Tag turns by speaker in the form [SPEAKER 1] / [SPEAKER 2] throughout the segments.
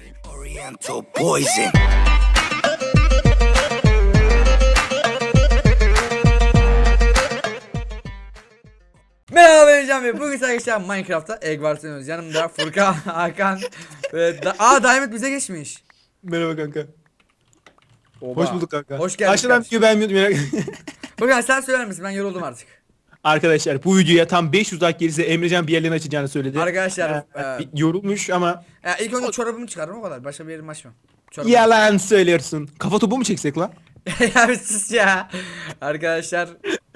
[SPEAKER 1] Oriental poison.
[SPEAKER 2] Merhaba ben Can Bey. Bugün arkadaşlar Minecraft'ta Egg Wars oynuyoruz. Yanımda Furkan, Hakan ve Diamond bize geçmiş.
[SPEAKER 3] Merhaba kanka.
[SPEAKER 2] Oba.
[SPEAKER 3] Hoş bulduk kanka.
[SPEAKER 2] Hoş geldin.
[SPEAKER 3] Aşağıdan videoyu beğenmiyordum merak.
[SPEAKER 2] Furkan sen söyler misin? Ben yoruldum artık.
[SPEAKER 3] Arkadaşlar bu videoya tam 500 like gelirse Emrecan bir yerlerini açacağını söyledi.
[SPEAKER 2] Arkadaşlar
[SPEAKER 3] Yorulmuş ama
[SPEAKER 2] ilk önce çorabımı çıkardım o kadar. Başka bir yerimi açmam. Çorabımı.
[SPEAKER 3] yalan söylüyorsun. Kafa topu mu çeksek lan?
[SPEAKER 2] Ya bir sus ya. Arkadaşlar.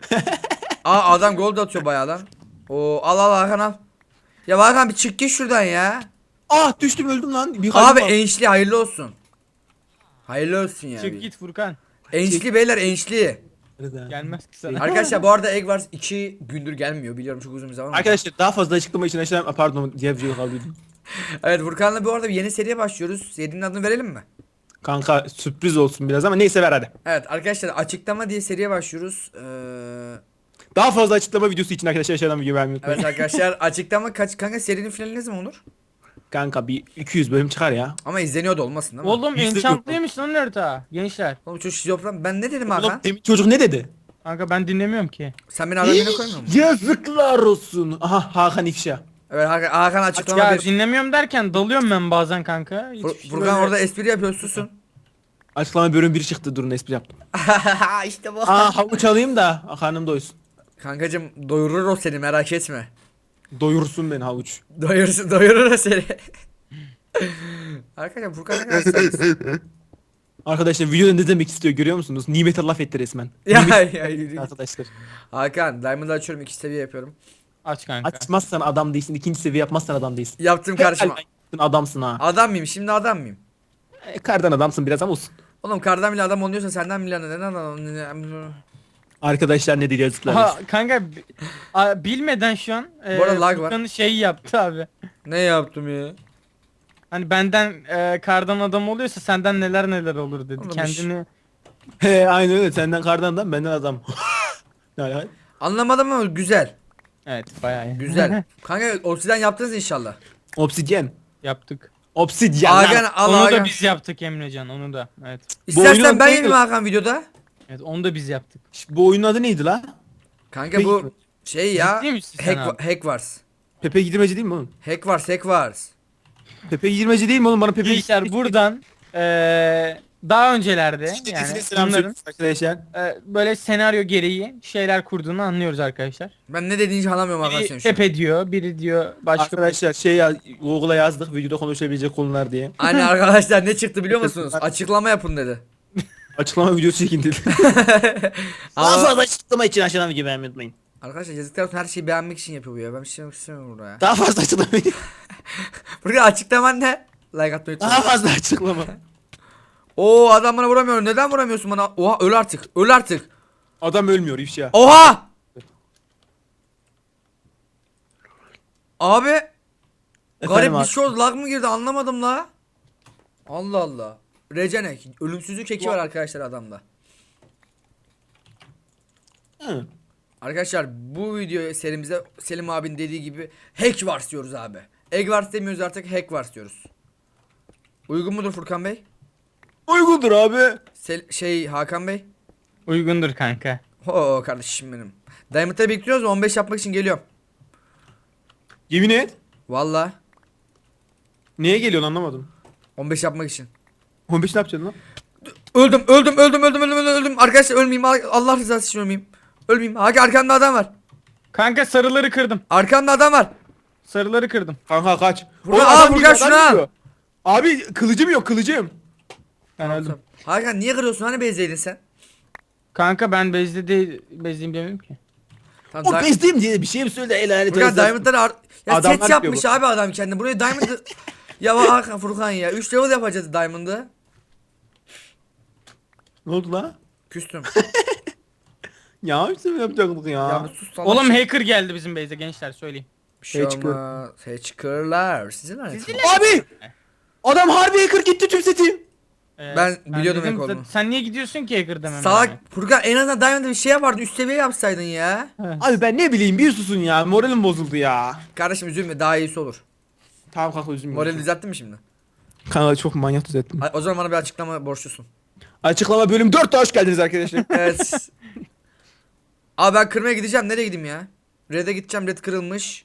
[SPEAKER 2] Adam gold atıyor bayağı lan. Oo al Hakan al. Ya Hakan bir çık git şuradan ya.
[SPEAKER 3] Ah düştüm öldüm lan. Bir
[SPEAKER 2] Abi
[SPEAKER 3] kalbim var.
[SPEAKER 2] enişli hayırlı olsun. Hayırlı olsun ya.
[SPEAKER 4] Çık git Furkan.
[SPEAKER 2] Enişli beyler enişli.
[SPEAKER 4] Gelmez ki sana.
[SPEAKER 2] Arkadaşlar bu arada Egg Wars 2 gündür gelmiyor. Biliyorum çok uzun bir zaman.
[SPEAKER 3] Arkadaşlar daha fazla açıklama için aşağıdan pardon diğer videoyu kaldırdım.
[SPEAKER 2] Evet Furkan'la bu arada bir yeni seriye başlıyoruz. Serinin adını verelim mi?
[SPEAKER 3] Kanka sürpriz olsun biraz ama neyse ver hadi.
[SPEAKER 2] Evet arkadaşlar açıklama diye seriye başlıyoruz.
[SPEAKER 3] Daha fazla açıklama videosu için arkadaşlar aşağıdan video beğenmeyi unutmayın.
[SPEAKER 2] Evet arkadaşlar açıklama kaç kanka serinin finali ne zaman olur?
[SPEAKER 3] Kanka bir 200 bölüm çıkar ya.
[SPEAKER 2] Ama izleniyor da olmasın değil mi?
[SPEAKER 4] Oğlum
[SPEAKER 3] Yüzde
[SPEAKER 4] enchantlıymış lan harita. Gençler.
[SPEAKER 2] Oğlum çocuk şizofren. Ben ne dedim Hakan?
[SPEAKER 3] Oğlum demin çocuk ne dedi?
[SPEAKER 4] Kanka ben dinlemiyorum ki.
[SPEAKER 2] Sen beni adam yerine koymuyor musun?
[SPEAKER 3] Yazıklar olsun. Aha Hakan ifşa.
[SPEAKER 2] Evet Hakan açıklama
[SPEAKER 4] Ya
[SPEAKER 2] bir.
[SPEAKER 4] dinlemiyorum derken dalıyorum ben bazen kanka. Hiçbir şey
[SPEAKER 2] Furkan
[SPEAKER 4] böyle-
[SPEAKER 2] orada espri yapıyor susun.
[SPEAKER 3] Açıklama bölüm 1 çıktı durun espri yaptım.
[SPEAKER 2] İşte bu.
[SPEAKER 3] Havuç alayım da karnım doysun.
[SPEAKER 2] Kankacım doyurur o seni merak etme.
[SPEAKER 3] Doyursun beni havuç.
[SPEAKER 2] Doyurur o seni. Arkadaşlar Furkan ne kadar istersiniz?
[SPEAKER 3] Arkadaşlar videoda ne demek istiyor görüyor musunuz? Nimete laf etti resmen.
[SPEAKER 2] Ya
[SPEAKER 3] Nimet
[SPEAKER 2] ya yürü git.
[SPEAKER 3] arkadaşlar.
[SPEAKER 2] Hakan Diamond'ı açıyorum 2 seviye yapıyorum.
[SPEAKER 4] Aç kanka.
[SPEAKER 3] Açmazsan adam değilsin. İkinci seviye yapmazsan adam değilsin.
[SPEAKER 2] Yaptım karşıma.
[SPEAKER 3] Helal yaptın, adamsın ha.
[SPEAKER 2] Adam mıyım şimdi adam mıyım?
[SPEAKER 3] Kardan adamsın biraz ama olsun.
[SPEAKER 2] Oğlum kardan bile adam oluyorsa senden bile neden adam?
[SPEAKER 3] Arkadaşlar ne diyor yazıklar
[SPEAKER 4] Aha,
[SPEAKER 3] olsun.
[SPEAKER 4] kanka bilmeden şu an
[SPEAKER 2] Bu arada lag var.
[SPEAKER 4] Furkan'ın şeyi yaptı abi.
[SPEAKER 2] Ne yaptım ya?
[SPEAKER 4] Hani benden kardan adam oluyorsa senden neler neler olur dedi.
[SPEAKER 2] Oğlum,
[SPEAKER 4] Kendini
[SPEAKER 3] He aynen öyle senden kardan adam benden adam. Yani,
[SPEAKER 2] Anlamadım ama güzel.
[SPEAKER 4] evet bayağı iyi.
[SPEAKER 2] Güzel. Kanka obsidian yaptınız inşallah.
[SPEAKER 3] obsidyen.
[SPEAKER 4] yaptık.
[SPEAKER 3] Obsidyen.
[SPEAKER 2] Hakan
[SPEAKER 3] lan.
[SPEAKER 2] al
[SPEAKER 4] Onu
[SPEAKER 2] Hakan.
[SPEAKER 4] da biz yaptık Emrecan onu da. Evet.
[SPEAKER 2] İstersen
[SPEAKER 3] oyunun
[SPEAKER 2] ben
[SPEAKER 3] adı
[SPEAKER 2] yeneyim
[SPEAKER 3] neydi?
[SPEAKER 2] Hakan videoda.
[SPEAKER 4] Evet onu da biz yaptık.
[SPEAKER 3] Bu oyunun adı neydi la?
[SPEAKER 2] Kanka bu şey ya.
[SPEAKER 4] Ciddi misin sen abi?
[SPEAKER 2] Hack Wars.
[SPEAKER 3] Pepe Girmeci değil mi oğlum?
[SPEAKER 2] Hack Wars, Hack Wars.
[SPEAKER 3] Pepe Girmeci değil mi oğlum? Bana Pepe
[SPEAKER 4] Gençler buradan daha öncelerde yani
[SPEAKER 3] selam
[SPEAKER 4] bunların
[SPEAKER 3] söylüyoruz arkadaşlar.
[SPEAKER 4] böyle senaryo gereği şeyler kurduğunu anlıyoruz arkadaşlar.
[SPEAKER 2] Ben ne dediğini hiç anlamıyorum Hakan
[SPEAKER 4] Biri
[SPEAKER 2] senin şu an.
[SPEAKER 4] Pepe diyor, biri diyor başka.
[SPEAKER 3] Arkadaşlar şey ya Google'a yazdık videoda konuşabilecek konular diye.
[SPEAKER 2] Aynen arkadaşlar ne çıktı biliyor musunuz? Açıklama yapın dedi.
[SPEAKER 3] Açıklama videosu çekin dedi.
[SPEAKER 2] Ama
[SPEAKER 3] açıklama için aşağıdan video beğenmeyi unutmayın.
[SPEAKER 2] arkadaşlar yazıklar olsun her şeyi beğenmek için yapıyor bu ya. Ben bir şey yapmak istemiyorum burada ya.
[SPEAKER 3] Daha fazla açıklama.
[SPEAKER 2] Burada açıklaman ne? Like atmayı
[SPEAKER 3] Daha
[SPEAKER 2] unutmayın.
[SPEAKER 3] fazla açıklama.
[SPEAKER 2] Oo adam bana vuramıyor. Neden vuramıyorsun bana? Oha öl artık. Öl artık.
[SPEAKER 3] Adam ölmüyor ifşa.
[SPEAKER 2] Oha! Abi garip bir
[SPEAKER 3] abi.
[SPEAKER 2] şey oldu. Lag mı girdi anlamadım la. Allah Allah. Recenek. Ölümsüzlük eki var arkadaşlar adamda.
[SPEAKER 3] Hı.
[SPEAKER 2] Arkadaşlar bu video serimize Selim abinin dediği gibi Hack Wars diyoruz abi. Egg Wars demiyoruz artık Hack Wars diyoruz. Uygun mudur Furkan Bey?
[SPEAKER 3] Uygundur abi.
[SPEAKER 2] Hakan Bey?
[SPEAKER 4] Uygundur kanka.
[SPEAKER 2] Oo kardeşim benim. Diamond'da bekliyoruz 15 yapmak için geliyorum.
[SPEAKER 3] Yemin et.
[SPEAKER 2] Valla
[SPEAKER 3] Neye geliyorsun anlamadım.
[SPEAKER 2] 15 yapmak için.
[SPEAKER 3] 15 ne yapacaksın lan?
[SPEAKER 2] Öldüm. Arkadaşlar ölmeyeyim. Allah rızası için ölmeyeyim. Ölmeyeyim. Hakan arkamda adam var.
[SPEAKER 4] Kanka sarıları kırdım.
[SPEAKER 2] Arkamda adam var.
[SPEAKER 4] Sarıları kırdım.
[SPEAKER 3] Kanka kaç.
[SPEAKER 2] Furkan,
[SPEAKER 3] Oğlum,
[SPEAKER 2] al
[SPEAKER 3] adam
[SPEAKER 2] Furkan,
[SPEAKER 3] geliyor,
[SPEAKER 2] şunu
[SPEAKER 3] adam
[SPEAKER 2] al.
[SPEAKER 3] geliyor. Abi kılıcım yok kılıcım.
[SPEAKER 4] Ben öldüm.
[SPEAKER 2] Hakan niye kırıyorsun? Hani bezdeydin sen?
[SPEAKER 4] Kanka ben bezliyim demedim ki.
[SPEAKER 2] Tamam,
[SPEAKER 3] O bezdeyim diye bir şey mi söyledi el aleti.
[SPEAKER 2] Furkan Diamond'ları ya
[SPEAKER 3] Adamlar
[SPEAKER 2] set yapmış
[SPEAKER 3] yapıyor
[SPEAKER 2] abi adam kendine. Buraya Diamond'ı ya Hakan Furkan ya 3 level yapacağız Diamond'ı.
[SPEAKER 3] Ne oldu la?
[SPEAKER 2] Küstüm.
[SPEAKER 3] Ya işte mi yapacaktık ya?
[SPEAKER 2] Ya bir sus lan.
[SPEAKER 4] Oğlum hacker geldi bizim base'e gençler söyleyeyim.
[SPEAKER 2] bir şey
[SPEAKER 3] Hacker.
[SPEAKER 2] olmaz. Hacker'lar. Sizin lanet.
[SPEAKER 3] Abi! Adam harbi hacker gitti tüm setim.
[SPEAKER 2] Ben biliyordum
[SPEAKER 4] dedim,
[SPEAKER 2] hack olduğunu.
[SPEAKER 4] sen niye gidiyorsun ki hacker demem.
[SPEAKER 2] Salak
[SPEAKER 4] yani.
[SPEAKER 2] Furkan en azından Diamond'da bir şey yapardın üst seviye yapsaydın ya.
[SPEAKER 3] Abi ben ne bileyim bir susun ya moralim bozuldu ya.
[SPEAKER 2] Kardeşim üzülme daha iyisi olur.
[SPEAKER 3] Tamam kanka üzülme.
[SPEAKER 2] Morali düzelttin mi şimdi?
[SPEAKER 3] Kanka çok manyak düzelttim.
[SPEAKER 2] O zaman bana bir açıklama borçlusun.
[SPEAKER 3] Açıklama bölüm 4'te hoş geldiniz arkadaşlar.
[SPEAKER 2] Evet. Abi ben kırmaya gideceğim. Nereye gideyim ya? Red'e gideceğim. Red kırılmış.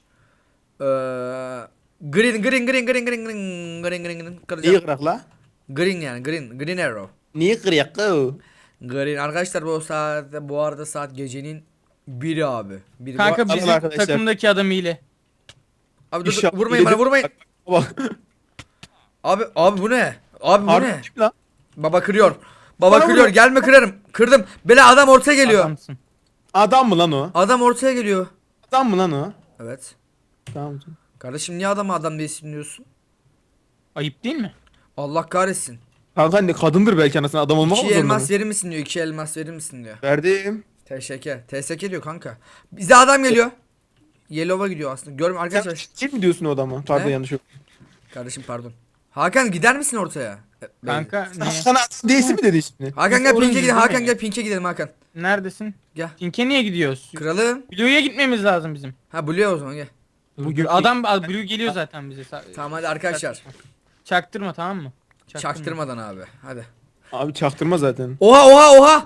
[SPEAKER 2] Green.
[SPEAKER 3] Niye
[SPEAKER 2] Kıracağım.
[SPEAKER 3] kırak la?
[SPEAKER 2] Green yani. Green arrow.
[SPEAKER 3] Niye kırıyak la?
[SPEAKER 2] Green. Arkadaşlar bu arada saat gecenin 1'i abi. Biri
[SPEAKER 4] Kanka
[SPEAKER 3] Alın
[SPEAKER 4] bizim
[SPEAKER 3] arkadaşlar.
[SPEAKER 4] takımdaki adam hile.
[SPEAKER 2] Abi dur,
[SPEAKER 3] İnşallah
[SPEAKER 2] vurmayın bana
[SPEAKER 3] iyidir.
[SPEAKER 2] vurmayın.
[SPEAKER 3] Bak.
[SPEAKER 2] Abi bu ne? Abi bu
[SPEAKER 3] Harbi
[SPEAKER 2] ne?
[SPEAKER 3] kim lan?
[SPEAKER 2] Baba kırıyor. Baba
[SPEAKER 3] Bana
[SPEAKER 2] kırıyor.
[SPEAKER 3] vuruyor.
[SPEAKER 2] Gelme kırarım. Kırdım. Bela adam ortaya geliyor.
[SPEAKER 4] Adamsın.
[SPEAKER 3] Adam mı lan o?
[SPEAKER 2] Adam ortaya geliyor.
[SPEAKER 3] Adam mı lan o?
[SPEAKER 2] Evet.
[SPEAKER 3] Tamam.
[SPEAKER 2] Kardeşim niye adamı adam diye isimliyorsun?
[SPEAKER 4] Ayıp değil mi?
[SPEAKER 2] Allah kahretsin.
[SPEAKER 3] Kanka ne kadındır belki anasını adam olmak mı
[SPEAKER 2] 2
[SPEAKER 3] zorunda
[SPEAKER 2] elmas
[SPEAKER 3] mı?
[SPEAKER 2] verir misin diyor. 2 elmas verir misin diyor.
[SPEAKER 3] Verdim.
[SPEAKER 2] Teşekkür. TSK diyor kanka. Bize adam geliyor. Yellow'a gidiyor aslında. Görmüyor
[SPEAKER 3] Sen
[SPEAKER 2] arkadaşlar.
[SPEAKER 3] kim mi diyorsun o adama? Pardon
[SPEAKER 2] Ne?
[SPEAKER 3] yanlış yok.
[SPEAKER 2] Kardeşim pardon. Hakan gider misin ortaya?
[SPEAKER 4] Kanka niye?
[SPEAKER 3] Sana değilsin mi dedi şimdi?
[SPEAKER 2] Hakan gel
[SPEAKER 4] Biz
[SPEAKER 2] Pink'e gidelim.
[SPEAKER 4] oyuncuyuz
[SPEAKER 2] Hakan
[SPEAKER 4] değil mi?
[SPEAKER 2] gel Pink'e gidelim Hakan.
[SPEAKER 4] Neredesin?
[SPEAKER 2] Gel.
[SPEAKER 4] Pink'e niye gidiyoruz?
[SPEAKER 2] Kralım.
[SPEAKER 4] Blue'ya gitmemiz lazım bizim.
[SPEAKER 2] Ha Blue'ya o zaman gel.
[SPEAKER 3] Bugün
[SPEAKER 4] Blue geliyor zaten bize.
[SPEAKER 2] Tamam hadi arkadaşlar.
[SPEAKER 4] Çaktırma tamam mı?
[SPEAKER 2] Çaktırmadan abi. Hadi.
[SPEAKER 3] Abi çaktırma zaten.
[SPEAKER 2] Oha.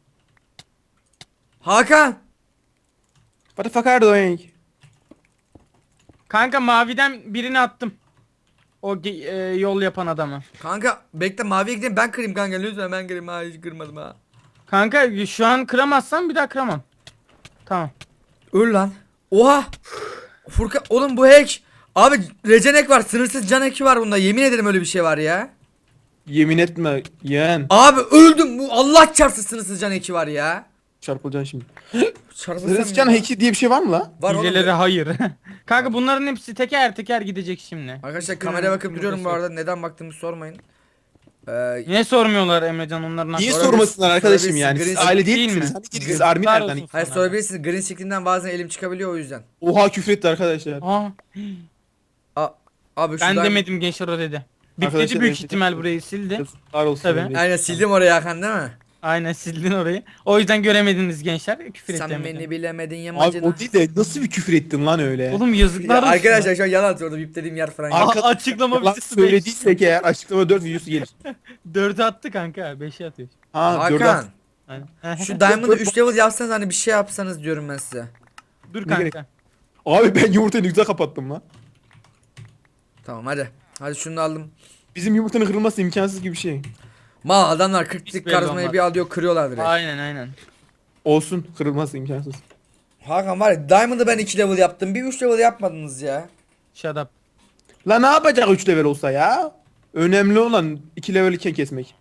[SPEAKER 2] Hakan.
[SPEAKER 3] What the fuck are you doing?
[SPEAKER 4] Kanka maviden birini attım. O yol yapan adamı.
[SPEAKER 2] Kanka bekle maviye gidelim ben kırayım kanka lütfen ben kırayım ha hiç kırmadım ha.
[SPEAKER 4] Kanka şu an kıramazsan bir daha kıramam. Tamam.
[SPEAKER 2] Öl lan. Oha. Furkan oğlum bu hack. Abi recenek var sınırsız can hack'i var bunda yemin ederim öyle bir şey var ya.
[SPEAKER 3] Yemin etme yeğen.
[SPEAKER 2] Abi öldüm bu Allah çarpsın sınırsız can hack'i var ya.
[SPEAKER 3] Çarpılacaksın şimdi.
[SPEAKER 2] Çarpılsam
[SPEAKER 3] Hristiyan
[SPEAKER 2] ya.
[SPEAKER 3] heki diye bir şey var mı la?
[SPEAKER 2] Var oğlum.
[SPEAKER 4] Hilelere hayır. Kanka bunların hepsi teker teker gidecek şimdi.
[SPEAKER 2] Arkadaşlar kameraya bakıp duruyorum bu arada neden baktığımı sormayın.
[SPEAKER 4] Niye sormuyorlar Emrecan onların
[SPEAKER 3] Niye
[SPEAKER 2] Sonra
[SPEAKER 3] sormasınlar
[SPEAKER 2] biz-
[SPEAKER 3] arkadaşım
[SPEAKER 2] sonra biz
[SPEAKER 3] yani?
[SPEAKER 2] Green-
[SPEAKER 3] Siz aile değil
[SPEAKER 4] Değil mi?
[SPEAKER 3] misiniz? Hani gidiniz
[SPEAKER 4] Yazıklar
[SPEAKER 3] army nereden?
[SPEAKER 4] olsun.
[SPEAKER 2] Hayır
[SPEAKER 4] Sana.
[SPEAKER 2] sorabilirsiniz green screen'den bazen elim çıkabiliyor o yüzden.
[SPEAKER 3] Oha küfretti arkadaşlar.
[SPEAKER 4] Aa,
[SPEAKER 2] Abi
[SPEAKER 4] ben
[SPEAKER 2] şuradan.
[SPEAKER 4] demedim gençler o dedi.
[SPEAKER 3] Arkadaşlar,
[SPEAKER 4] Bipledi büyük
[SPEAKER 3] evet,
[SPEAKER 4] ihtimal burayı sildi.
[SPEAKER 3] Yazıklar olsun.
[SPEAKER 4] Tabii.
[SPEAKER 3] Emre.
[SPEAKER 2] Aynen sildim orayı Hakan değil mi?
[SPEAKER 4] Aynen sildin orayı. O yüzden göremediniz gençler. Küfür
[SPEAKER 2] Sen
[SPEAKER 4] etti Emrecan.
[SPEAKER 2] beni bilemedin
[SPEAKER 3] Abi
[SPEAKER 2] yamacına.
[SPEAKER 3] o değil de nasıl bir küfür ettin lan öyle?
[SPEAKER 4] Oğlum
[SPEAKER 2] Ya
[SPEAKER 4] yazıklar olsun.
[SPEAKER 2] arkadaşlar şu an yalan atıyor orada biplediğim yer falan. yok.
[SPEAKER 3] Arka-
[SPEAKER 4] açıklama
[SPEAKER 3] Lan
[SPEAKER 4] videosu
[SPEAKER 3] söylediysek eğer açıklama 4 videosu gelir.
[SPEAKER 4] 4'ü attı kanka 5'i atıyor.
[SPEAKER 3] Ha 4
[SPEAKER 2] Hakan
[SPEAKER 4] Aynen.
[SPEAKER 2] şu Diamond'ı 3 level yapsanız hani bir şey yapsanız diyorum ben size.
[SPEAKER 4] Dur
[SPEAKER 3] Ne gerek-
[SPEAKER 4] kanka.
[SPEAKER 3] Abi ben yumurtayı ne güzel kapattım lan.
[SPEAKER 2] Tamam hadi. Hadi şunu da aldım.
[SPEAKER 3] Bizim yumurtanın kırılması imkansız gibi bir şey.
[SPEAKER 2] Mal adamlar 40'lık
[SPEAKER 4] belli
[SPEAKER 2] karizmayı
[SPEAKER 4] olmaz.
[SPEAKER 2] bir alıyor kırıyorlar direkt.
[SPEAKER 4] Aynen.
[SPEAKER 3] Olsun kırılması imkansız.
[SPEAKER 2] Hakan var ya Diamond'ı ben 2 level yaptım. Bir 3 level yapmadınız ya.
[SPEAKER 4] Shut up.
[SPEAKER 3] La ne yapacak 3 level olsa ya? Önemli olan 2 level iken kesmek.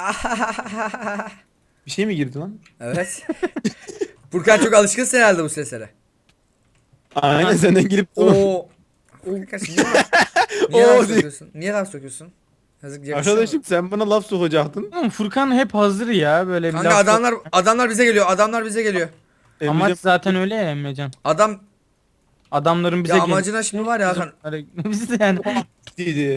[SPEAKER 3] Bir şey mi girdi lan?
[SPEAKER 2] Evet. Furkan çok alışkınsın herhalde bu seslere.
[SPEAKER 3] Aynen senden girip
[SPEAKER 2] Oo. Arkadaşım niye
[SPEAKER 3] Oo
[SPEAKER 2] laf
[SPEAKER 3] diye.
[SPEAKER 2] sokuyorsun? Niye laf sokuyorsun? Yazık yakışıyor mu?
[SPEAKER 3] Arkadaşım sen bana laf sokacaktın.
[SPEAKER 4] Oğlum Furkan hep hazır ya böyle bir
[SPEAKER 2] Kanka
[SPEAKER 4] laf
[SPEAKER 2] adamlar bize geliyor. Adamlar bize geliyor.
[SPEAKER 4] Amaç
[SPEAKER 3] Emrecan
[SPEAKER 4] zaten öyle ya Emrecan.
[SPEAKER 2] Adam
[SPEAKER 4] Adamların bize
[SPEAKER 2] ya
[SPEAKER 4] gel-
[SPEAKER 2] amacına şimdi var ya Hakan.
[SPEAKER 4] Biz de yani.
[SPEAKER 3] dedi.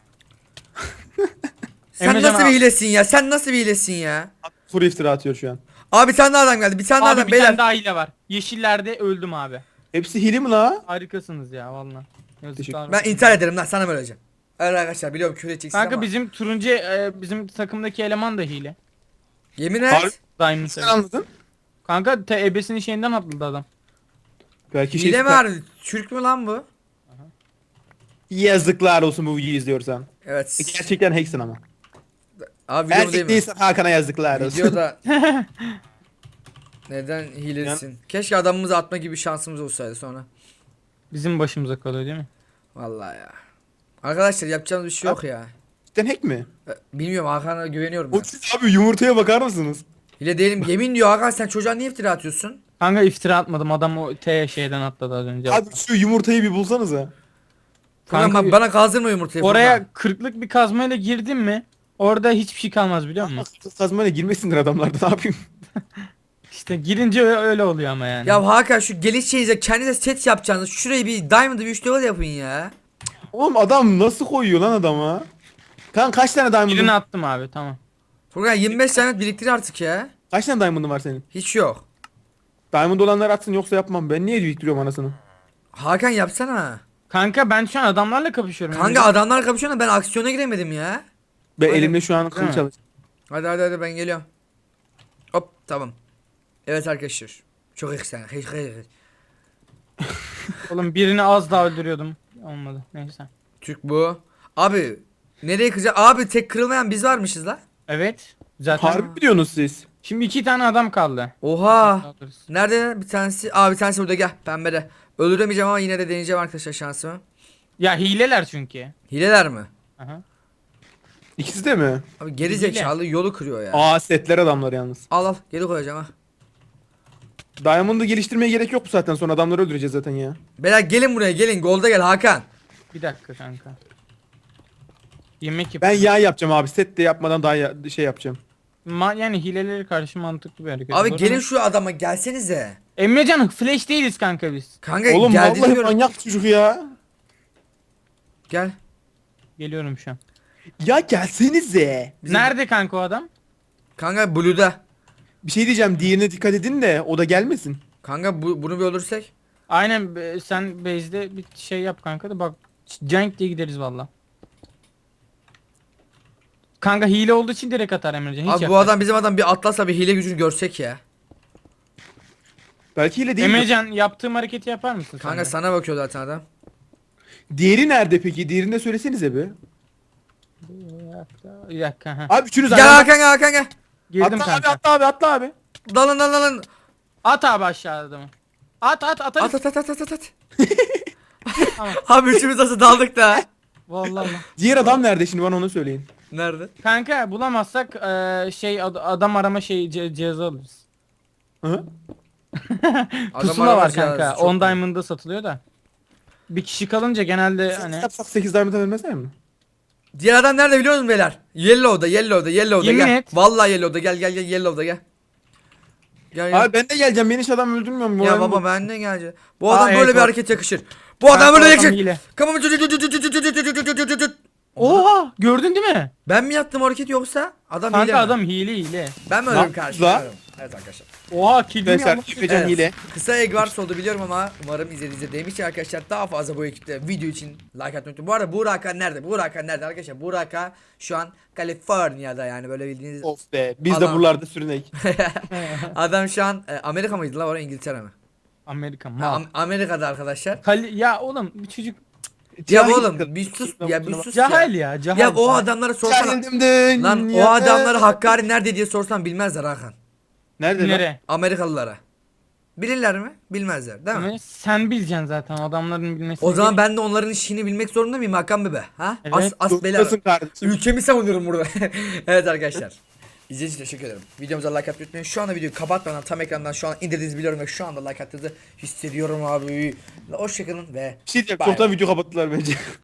[SPEAKER 2] Sen
[SPEAKER 4] Emrecan
[SPEAKER 2] nasıl bir
[SPEAKER 4] abi.
[SPEAKER 2] hilesin ya? Sen nasıl bir hilesin ya?
[SPEAKER 3] Kuru iftira atıyor şu an.
[SPEAKER 2] Abi bir tane daha adam geldi. Bir tane daha
[SPEAKER 4] Abi
[SPEAKER 2] adam
[SPEAKER 4] bir
[SPEAKER 2] beyler.
[SPEAKER 4] tane daha hile var. Yeşillerde öldüm abi.
[SPEAKER 3] Hepsi hile mi la?
[SPEAKER 4] Harikasınız ya valla. Yazıklar
[SPEAKER 2] Ben
[SPEAKER 4] olsun.
[SPEAKER 2] intihar ederim lan sana mı öleceğim? Evet arkadaşlar biliyorum küfür edeceksin
[SPEAKER 4] Kanka
[SPEAKER 2] ama.
[SPEAKER 4] bizim turuncu bizim takımdaki eleman da hile.
[SPEAKER 2] Yemin
[SPEAKER 3] Harbi-
[SPEAKER 2] et.
[SPEAKER 4] Diamond
[SPEAKER 3] Sen
[SPEAKER 4] seven.
[SPEAKER 3] anladın?
[SPEAKER 4] Kanka ebesinin şeyinden atladı adam.
[SPEAKER 3] Belki
[SPEAKER 2] Hile mi var? Türk mü lan bu?
[SPEAKER 3] Yazıklar olsun bu videoyu izliyorsan.
[SPEAKER 2] Evet.
[SPEAKER 3] Gerçekten hacksin ama.
[SPEAKER 2] Abi video değil
[SPEAKER 3] Erkek
[SPEAKER 2] mi?
[SPEAKER 3] değilsen Hakan'a yazıklar olsun.
[SPEAKER 2] Videoda neden hilesin? Keşke adamımızı atma gibi şansımız olsaydı sonra.
[SPEAKER 4] Bizim başımıza kalıyor değil mi?
[SPEAKER 2] Vallahi ya. Arkadaşlar yapacağımız bir şey yok ya.
[SPEAKER 3] Cidden hack mi?
[SPEAKER 2] Bilmiyorum Hakan'a güveniyorum
[SPEAKER 3] O
[SPEAKER 2] ben.
[SPEAKER 3] siz abi yumurtaya bakar mısınız?
[SPEAKER 2] Hile değilim. Yemin diyor Hakan sen çocuğa niye iftira atıyorsun?
[SPEAKER 4] Kanka iftira atmadım adam o şeyden atladı az önce.
[SPEAKER 3] Abi şu yumurtayı bir bulsanıza.
[SPEAKER 2] Furkan
[SPEAKER 4] Kanka-
[SPEAKER 2] bana kazdırma yumurtayı
[SPEAKER 4] Oraya
[SPEAKER 2] Furkan.
[SPEAKER 4] 40'lık bir kazmayla girdin mi? Orada hiçbir şey kalmaz biliyor musun?
[SPEAKER 3] Kazmayla girmesinler adamlarda ne yapayım?
[SPEAKER 4] İşte girince öyle oluyor ama yani.
[SPEAKER 2] Ya Hakan şu geliş şeyize kendinize set yapacağınız şurayı bir diamond'ı bir 3 level yapın ya.
[SPEAKER 3] Oğlum adam nasıl koyuyor lan adama? Kan kaç tane
[SPEAKER 4] birini
[SPEAKER 3] diamond'ın?
[SPEAKER 4] attım abi tamam.
[SPEAKER 2] Furkan 25 diamond biriktir artık ya.
[SPEAKER 3] Kaç tane diamond'ın var senin?
[SPEAKER 2] Hiç yok.
[SPEAKER 3] Diamond olanlar atsın yoksa yapmam. Ben niye biriktiriyorum anasını?
[SPEAKER 2] Hakan yapsana.
[SPEAKER 4] Kanka ben şu an adamlarla kapışıyorum.
[SPEAKER 2] Kanka adamlar kapışıyor da ben aksiyona giremedim ya.
[SPEAKER 3] Ben
[SPEAKER 2] Hadi.
[SPEAKER 3] elimde şu an
[SPEAKER 4] Değil
[SPEAKER 3] kılıç
[SPEAKER 4] mi?
[SPEAKER 3] çalışıyor.
[SPEAKER 2] Hadi ben geliyorum. Hop tamam. Evet arkadaşlar. Çok eksen.
[SPEAKER 4] Oğlum birini az daha öldürüyordum. Olmadı. Neyse.
[SPEAKER 2] Türk bu. Abi nereye kızacak? Abi tek kırılmayan biz varmışız la.
[SPEAKER 4] Evet. Zaten
[SPEAKER 3] Harbi mi diyorsunuz siz?
[SPEAKER 4] şimdi 2 tane adam kaldı.
[SPEAKER 2] Oha.
[SPEAKER 4] Alırız.
[SPEAKER 2] Nerede bir tanesi? Abi bir tanesi burada gel pembede. Öldüremeyeceğim ama yine de deneyeceğim arkadaşlar şansımı.
[SPEAKER 4] Ya hileler çünkü.
[SPEAKER 2] Hileler mi?
[SPEAKER 4] Aha.
[SPEAKER 3] İkisi de mi?
[SPEAKER 2] Abi geri
[SPEAKER 4] Hile.
[SPEAKER 2] zekalı yolu kırıyor ya.
[SPEAKER 3] Aa setler adamlar yalnız.
[SPEAKER 2] Al geri koyacağım ha.
[SPEAKER 3] Diamond'ı geliştirmeye gerek yok bu saatten sonra adamları öldüreceğiz zaten ya.
[SPEAKER 2] Beyler gelin buraya gelin. Golda gel Hakan.
[SPEAKER 4] Bir dakika kanka. Yemek yap.
[SPEAKER 3] Ben yağ yapacağım abi set de yapmadan daha şey yapacağım.
[SPEAKER 4] Yani hilelere karşı mantıklı bir hareket.
[SPEAKER 2] Abi
[SPEAKER 4] Doğru
[SPEAKER 2] gelin
[SPEAKER 4] mu?
[SPEAKER 2] şu adama gelsenize.
[SPEAKER 4] Emrecan flash değiliz kanka biz.
[SPEAKER 2] Kanka
[SPEAKER 3] Oğlum
[SPEAKER 2] geldi
[SPEAKER 3] vallahi
[SPEAKER 2] diyorum.
[SPEAKER 3] manyak çocuk ya.
[SPEAKER 2] Gel.
[SPEAKER 4] Geliyorum şu an.
[SPEAKER 3] Ya gelsenize.
[SPEAKER 2] Bizim-
[SPEAKER 4] Nerede kanka o adam?
[SPEAKER 2] Kanka Blue'da.
[SPEAKER 3] Bir şey diyeceğim diğerine dikkat edin de o da gelmesin.
[SPEAKER 2] Kanka bunu bir öldürsek.
[SPEAKER 4] Aynen sen base'de bir şey yap kanka da bak Cenk diye gideriz valla. Kanka hile olduğu için direkt atar Emrecan. Hiç
[SPEAKER 2] Abi bu
[SPEAKER 4] yapmaz.
[SPEAKER 2] adam bizim adam bir atlasla bir hile gücünü görsek ya.
[SPEAKER 3] Belki öyle değil mi?
[SPEAKER 4] Emrecan yaptığım hareketi yapar mısın
[SPEAKER 2] Kanka
[SPEAKER 4] sen?
[SPEAKER 2] sana bakıyor zaten adam.
[SPEAKER 3] Diğeri nerede peki? Diğerini de söylesenize bir.
[SPEAKER 4] Bir dakika. Ha.
[SPEAKER 3] Abi üçünüz
[SPEAKER 2] Gel
[SPEAKER 3] aynı.
[SPEAKER 2] Hakan gel Hakan gel.
[SPEAKER 4] Girdim
[SPEAKER 3] Atla abi
[SPEAKER 4] kanka.
[SPEAKER 3] atla abi atla abi.
[SPEAKER 2] Dalın.
[SPEAKER 4] At abi aşağıda adamı. At atarız.
[SPEAKER 2] At.
[SPEAKER 4] Tamam.
[SPEAKER 2] Abi üçümüz nasıl daldık da.
[SPEAKER 4] Vallahi.
[SPEAKER 3] Diğer adam nerede şimdi bana onu söyleyin.
[SPEAKER 2] Nerede?
[SPEAKER 4] Kanka bulamazsak adam arama cihazı alırız.
[SPEAKER 3] Hı?
[SPEAKER 4] Pusula var
[SPEAKER 2] aramaz
[SPEAKER 4] kanka.
[SPEAKER 2] ya, çok
[SPEAKER 4] 10
[SPEAKER 2] iyi.
[SPEAKER 4] diamond'da satılıyor da. Bir kişi kalınca genelde hani
[SPEAKER 3] Yapsak 8 diamond'a vermezler mi?
[SPEAKER 2] Diğer adam nerede biliyor musun beyler? Yellow'da
[SPEAKER 4] Yemin
[SPEAKER 2] gel.
[SPEAKER 4] et.
[SPEAKER 2] Vallahi Yellow'da gel Yellow'da gel. Gel.
[SPEAKER 3] Abi ben de geleceğim. Beni hiç adam öldürmüyor mu?
[SPEAKER 2] Ya
[SPEAKER 3] Moralim
[SPEAKER 2] baba
[SPEAKER 3] bozuk.
[SPEAKER 2] ben de geleceğim. Bu
[SPEAKER 4] Aa,
[SPEAKER 2] adam
[SPEAKER 4] evet,
[SPEAKER 2] böyle bir
[SPEAKER 4] bak.
[SPEAKER 2] hareket yakışır. Bu adam
[SPEAKER 4] Kanka,
[SPEAKER 2] böyle
[SPEAKER 4] adam
[SPEAKER 2] yakışır.
[SPEAKER 4] hile.
[SPEAKER 2] Come on.
[SPEAKER 4] Oha gördün değil mi?
[SPEAKER 2] Ben mi yaptım o hareketi yoksa adam hile
[SPEAKER 4] Kanka
[SPEAKER 2] mi?
[SPEAKER 4] adam hile.
[SPEAKER 2] Ben mi
[SPEAKER 3] Lan,
[SPEAKER 2] öldüm karşılaşıyorum? Evet arkadaşlar.
[SPEAKER 4] Oha kilimi
[SPEAKER 3] Arkadaşlar
[SPEAKER 4] almış.
[SPEAKER 3] Efecan
[SPEAKER 2] Evet.
[SPEAKER 3] hile.
[SPEAKER 2] Kısa egg wars oldu biliyorum ama umarım izlediğinizde demiş arkadaşlar daha fazla bu ekipte video için like atmayı unutmayın. Bu arada Buğra Hakan nerede? Buğra Hakan nerede arkadaşlar? Buğra Hakan şu an Kaliforniya'da yani böyle bildiğiniz
[SPEAKER 3] Of be. Biz
[SPEAKER 2] Adam-
[SPEAKER 3] de buralarda sürünek.
[SPEAKER 2] adam şu an Amerika mıydı la oraya İngiltere mi?
[SPEAKER 4] Amerika
[SPEAKER 2] Ha,
[SPEAKER 4] mal.
[SPEAKER 2] Amerika'da arkadaşlar.
[SPEAKER 4] Ya oğlum bir çocuk
[SPEAKER 2] Ya
[SPEAKER 3] Cahil
[SPEAKER 2] oğlum
[SPEAKER 3] kadın.
[SPEAKER 2] bir sus
[SPEAKER 3] Ben
[SPEAKER 2] ya bir
[SPEAKER 3] kusura
[SPEAKER 2] sus
[SPEAKER 4] cahil
[SPEAKER 2] ya.
[SPEAKER 4] ya cahil.
[SPEAKER 2] Ya o adamlara sorsana.
[SPEAKER 3] Cahilim dünyada.
[SPEAKER 2] Lan o adamları Hakkari nerede diye sorsan bilmezler Hakan.
[SPEAKER 3] Nerede lan?
[SPEAKER 4] Nere?
[SPEAKER 2] Amerikalılara. Bilirler mi? Bilmezler değil mi?
[SPEAKER 4] Ama sen bileceksin zaten adamların bilmesi.
[SPEAKER 2] O zaman ben de onların işini bilmek zorunda mıyım Hakan bebe? Ha?
[SPEAKER 4] Evet.
[SPEAKER 2] As bela.
[SPEAKER 3] Dostasın kardeşim.
[SPEAKER 2] Ülkemi savunuyorum burada. Evet arkadaşlar. İzlediğiniz için teşekkür ederim. Videomuza like atmayı unutmayın. Şu anda videoyu kapatmadan tam ekrandan şu an indirdiğinizi biliyorum ve şu anda like attığınızı hissediyorum abi. Hoşçakalın ve
[SPEAKER 3] Bir şey diyeceğim.
[SPEAKER 2] Bye.
[SPEAKER 3] Çoktan video kapattılar bence.